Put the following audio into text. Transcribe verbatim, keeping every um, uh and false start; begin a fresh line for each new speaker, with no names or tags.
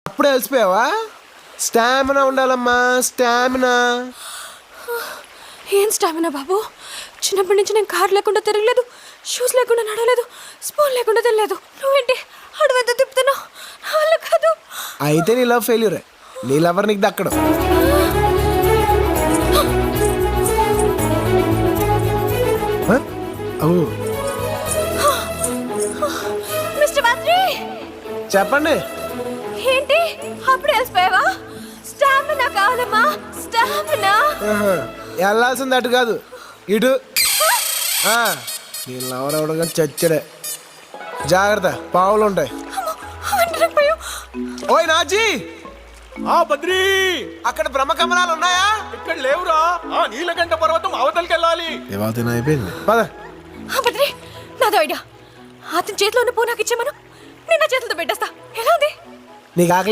అప్పుడే అలసిపోయావా? స్టామినా ఉండాలమ్మా, స్టామినా.
ఏం స్టామినా బాబు? చిన్నప్పటి నుంచి నేను కార్ లేకుండా తిరగలేదు, షూస్ లేకుండా నడవలేదు, స్పూన్ లేకుండా తినలేదు. నువ్వేంటి అడవంతా తిప్పుతున్నావు? నా వల్ల కాదు.
అయితే నీ లవ్ ఫెయిల్యూరే. నీ లవర్ నీకు దక్కడు.
మిస్టర్ బద్రి,
చెప్పండి.
ఏంటి అప్పుడే అలసిపోయావా? స్టామినా కావాలమ్మా, స్టామినా.
వెళ్ళాల్సింది అటు కాదు, ఇటు. నేను లవర్ అవడం చచ్చడే. జాగ్రత్త, పావులు ఉంటాయి. ఓయ్ నాజీ,
ఆ బద్రీ,
అక్కడ బ్రహ్మకమలాలు ఉన్నాయా?
ఇక్కడ లేవురా. ఆ నీలకంఠ పర్వతం అవతలకి వెళ్ళాలి.
అయిపోయింది, పద.
బద్రి, నాదో ఐడియా. అతని చేతిలో ఉన్న పూ నాకు ఇచ్చేమను, నేను నా చేతులతో పెట్టేస్తా. ఎలా ఉంది?
నీకు ఆకలి